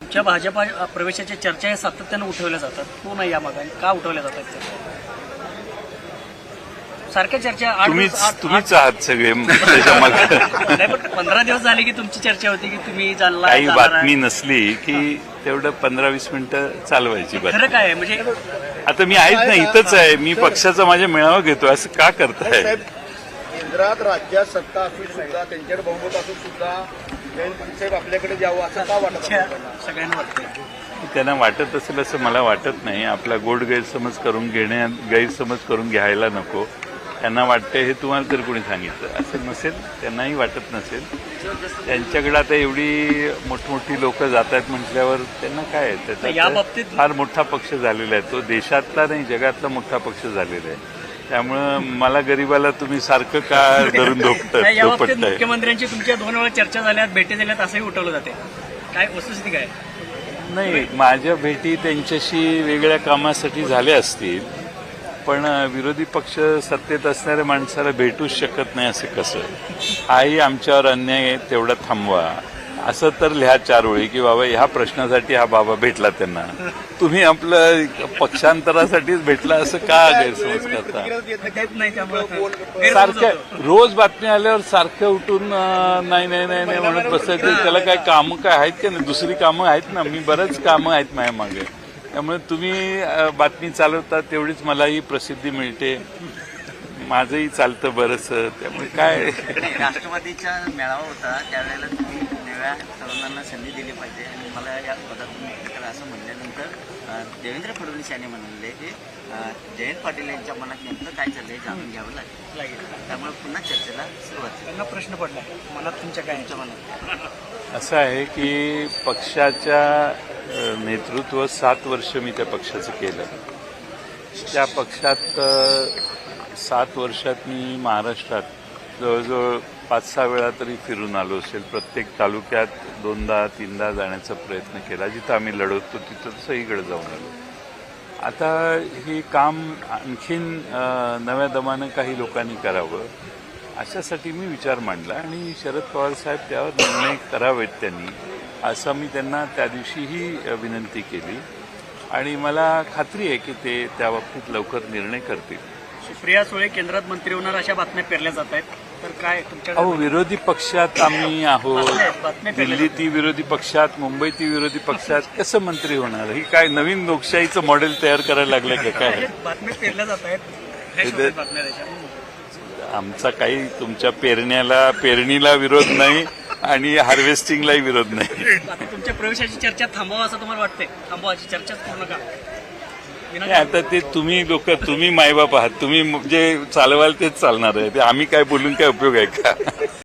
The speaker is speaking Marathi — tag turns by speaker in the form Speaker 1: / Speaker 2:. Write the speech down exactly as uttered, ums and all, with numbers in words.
Speaker 1: तुमच्या भाजपा प्रवेशाच्या चर्चा या सातत्यानं उठवल्या जातात, तो नाही या मागे का उठवल्या जातात त्या? सारख्या चर्चा आठ
Speaker 2: तुम्हीच
Speaker 1: दिवस- आठ-
Speaker 2: तुम्हीच आहात सगळे त्याच्या मागे.
Speaker 1: नाही, पण पंधरा दिवस झाले की तुमची चर्चा होती की तुम्ही जाणला
Speaker 2: काही
Speaker 1: जाणार आहे.
Speaker 2: बातमी नसली की तेवढं पंधरा वीस मिनिटं चालवायची
Speaker 1: खरं
Speaker 2: बातमी.
Speaker 1: काय आहे म्हणजे
Speaker 2: आता मी आहेच ना, इथंच आहे मी, पक्षाचा माझ्या मेळावा घेतो, असं का करताय?
Speaker 3: साहेब, केंद्रात राज्यात सत्ता असून सुद्धा त्यांच्याकडे बहुमत असून सुद्धा जयंत पाटील साहेब आपल्याकडे द्यावं असं का वाटत
Speaker 1: इच्छा
Speaker 3: आपल्याला?
Speaker 1: सगळ्यांना वाटते.
Speaker 2: त्यांना वाटत असेल असं मला वाटत नाही. आपला गोड गैरसमज करून घेण्या गैरसमज करून घ्यायला नको. त्यांना वाटते हे तुम्हाला तर कोणी सांगितलं असं नसेल, त्यांनाही वाटत नसेल. त्यांच्याकडे आता एवढी मोठमोठी लोक जात आहेत म्हटल्यावर त्यांना काय आहे,
Speaker 1: या
Speaker 2: त्याचा
Speaker 1: बाबतीत-
Speaker 2: फार मोठा पक्ष झालेला आहे. तो देशातला नाही जगातला मोठा पक्ष झालेला आहे. त्यामुळं मला गरीबाला तुम्ही सारखं का धरून
Speaker 1: नाही, या बाबतीत
Speaker 2: धोपटताय?
Speaker 1: मुख्यमंत्र्यांची तुमच्या दोन वेळा चर्चा झाल्यात, भेटी झाल्यात असंही उठवलं जाते. काय वस्तुस्थिती काय?
Speaker 2: नाही, माझ्या भेटी त्यांच्याशी वेगळ्या कामासाठी झाल्या असतील, पण विरोधी पक्ष सत्तेत असणाऱ्या माणसाला भेटूच शकत नाही असं कसं? हाही आमच्यावर अन्याय आहे, तेवढा थांबवा असं तर लिहा चार ओळी की बाबा ह्या प्रश्नासाठी हा बाबा भेटला त्यांना. तुम्ही आपलं पक्षांतरासाठीच भेटला असं का गैरसमज करता?
Speaker 1: देत नाही त्यामुळे
Speaker 2: सारख्या रोज बातम्या आल्यावर सारखं उठून अं, नाही नाही नाही नाही म्हणत बसायचं. त्याला काय कामं काय आहेत का नाही? दुसरी कामं आहेत ना, मी बरंच कामं आहेत माझ्या मागे. त्यामुळे तुम्ही अं, बातमी चालवता तेवढीच मलाही प्रसिद्धी मिळते, माझंही चालतं बरंचसं. त्यामुळे काय
Speaker 4: राष्ट्रवादीचा मेळावा होता त्यावेळेला तुम्ही नव्या तरुणांना संधी दिली पाहिजे आणि मला या पदातून मुक्त करा असं म्हणल्यानंतर अ, देवेंद्र फडणवीस यांनी म्हणले की अ, जयंत पाटील यांच्या मनात नेमकं काय चाललंय जाणून घ्यावं लागेल.
Speaker 1: लागेल.
Speaker 4: त्यामुळे पुन्हा चर्चेला सुरुवात झाली.
Speaker 1: त्यांना प्रश्न पडला मनात तुमच्या काय
Speaker 4: तुमच्या मनात
Speaker 2: असं आहे की पक्षाच्या अं, नेतृत्व सात वर्ष मी त्या पक्षाचं केलं. त्या पक्षात अं, सात वर्षात मी महाराष्ट्रात जवळजवळ पाच सहा वेळा तरी फिरून आलो असेल. प्रत्येक तालुक्यात दोनदा तीनदा जाण्याचा प्रयत्न केला. जिथं आम्ही लढवतो तिथं सगळीकडे जाऊन आलो. आता हे काम आणखीन अं, नव्या दमानं काही लोकांनी करावं अशासाठी मी विचार मांडला आणि शरद पवार साहेब त्यावर निर्णय करावेत त्यांनी, असं मी त्यांना त्या दिवशीही विनंती केली आणि मला खात्री आहे की ते त्या बाबतीत लवकर निर्णय करतील.
Speaker 1: सुप्रिया सुळे केंद्रात मंत्री होणार अशा बातम्या पेरल्या जात आहेत, तर काय
Speaker 2: अहो,
Speaker 1: तुमच्याकडे
Speaker 2: विरोधी पक्षात आम्ही आहोत.
Speaker 1: बातम्या पेरल्या
Speaker 2: दिल्ली ती विरोधी पक्षात, मुंबई ती विरोधी पक्षात, कसं मंत्री होणार? ही काय नवीन लोकशाहीचं मॉडेल तयार करायला लागलं का काय?
Speaker 1: जातात? बातम्या पेरल्या जात आहेत. हे
Speaker 2: ते-
Speaker 1: शोधतात बातम्या त्याच्या.
Speaker 2: आमचा काही तुमच्या पेरण्याला पेरणीला विरोध नाही आणि हार्वेस्टिंगलाही विरोध नाही.
Speaker 1: आता तुमच्या प्रवेशाची चर्चा थांबवा असं तुम्हाला वाटतंय? थांबवाची चर्चाच पूर्ण का?
Speaker 2: नाही, आता ते तुम्ही लोक, तुम्ही मायबाप आहात, तुम्ही जे चालवाल तेच चालणार आहे. ते आम्ही काय बोलून काय उपयोग आहे का?